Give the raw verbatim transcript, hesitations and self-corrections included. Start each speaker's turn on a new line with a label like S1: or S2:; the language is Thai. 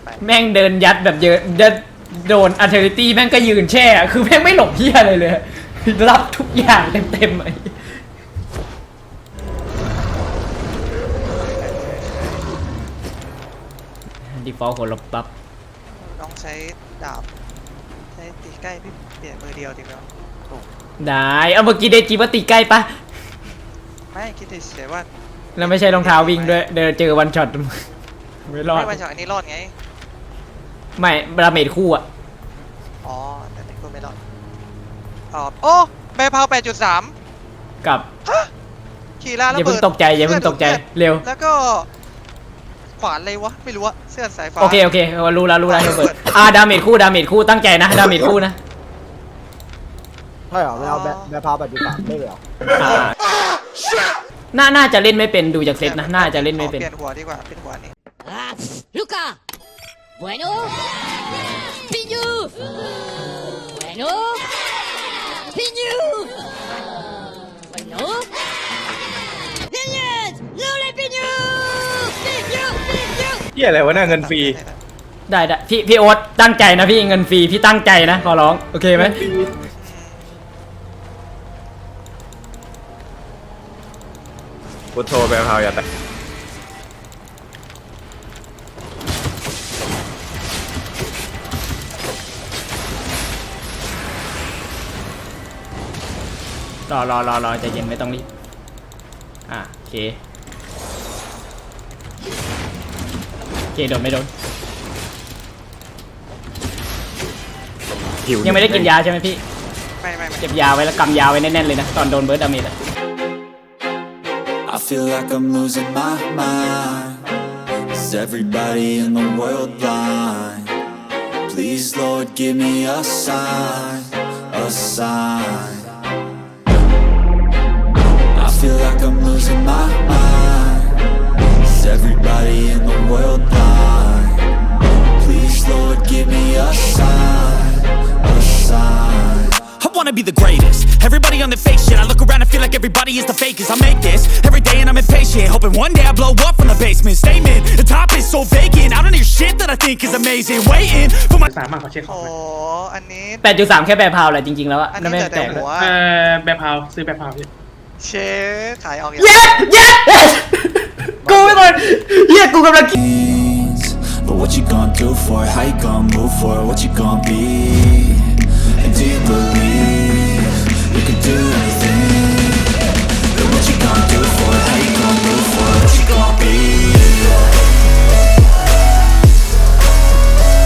S1: แม่งเดินยัดแบบเยอะเดินโดนอัลเทอร์เนตี้แม่งก็ยืนแช่คือแม่งไม่หลบเหี้ยอะไรเลยรับทุกอย่างเต็มๆไอ้ดีฟอลต์คนลบปั๊บ
S2: ต้องใช้ดาบใช้ตีใกล้พี่เปลี่ยนมือเดียวดีกว่าถูก
S1: ได้เอาเมื่อกี้เดจิว่าตีใกล้ปะ
S2: ไม่คิดเฉยว่า
S1: แล้วไม่ใช่รองเท้าวิ่งด้วยเดินเจอวันช็อตไม่รอด
S2: ไม่วันช็อตอันนี้รอดไง
S1: ไม่ดาเมจคู่อะ
S2: อ๋อแต่นี่ก็ไม่รอดอ๋อโอ้แบร์พาว แปดจุดสาม
S1: กับ
S2: ขี่ล่าระเบิด
S1: อย่าเพิ่งตกใจอย่าเพิ่งตกใจเร็ว
S2: แล้วก็ขวานเลยวะไม่รู้อะเสื้อสายฟ้า
S1: โอเคโอเครู้แล้วรู้แล้วเปิดอ่าดาเมจคู่ดาเมจคู่ตั้งใจนะดาเมจคู่นะ
S3: ใช่เหรอไม่เอาแบบแบบพาแบบดูสามไม่เลยเหรอ
S1: น่าน่าจะเล่นไม่เป็นดูจากเซตนะน่าจะเล่นไม่เป็น
S2: เปลี่ยนหัวดีกว่าเป็นหัวนี้
S4: ลูก้า bueno piñu bueno piñu bueno piñas no le piñu piñu piñu
S5: เหี้ยอะไรวะน่าเงินฟรี
S1: ได้ได้พี่พี่โอ๊ตตั้งใจนะพี่เงินฟรีพี่ตั้งใจนะขอร้องโอเคไหม
S5: พุทโธแปลพาวอย่าแตะ
S1: รอรอรอรอใจเย็นไม่ต้องรีบอ่ะโอเคโอเคโดนไม่โดนยังไม่ได้กินยาใช่ไหมพี่
S2: ไม่ไม่ไม่
S1: เก็บยาไว้แล้วกำยาไว้แน่นๆเลยนะตอนโดนเบิร์ดดาเมจอะ
S6: I feel like I'm losing my mind. Is everybody in the world blind? Please, Lord, give me a sign, a sign. I feel like I'm losing my mind. Is everybody in the world blind? Please, Lord, give me a sign, a sign.
S7: I wanna be the greatest. Everybody on the fake shit. I look around and feel like everybody is the fakest. I make this every day and I'm impatient, hoping one day I blow up from the basement. Statement, the top is so vacant. I don't hear shit that I think is amazing. Waiting for my
S5: สามารถขอเช็คขอ
S2: โอ้
S5: ง
S2: อันนี้
S1: แปดจุดสามแค่แบร์พาวแหละจริงๆแล้วอะ
S2: อัน
S1: นั่น
S2: นี้
S1: ไม่
S2: แต่
S1: แตก
S2: หัว
S5: เอ่อแบบพาวซื้อแบบพาวพี่
S2: เชฟขายออกอย่าง
S1: เย็ดเย็ดกูไม่คนเฮียกูกำลัง
S6: But what you gonna do for it? How you gonna move for it? What you gonna be? And do you believe you can do anything? But what you gonna do for it? How you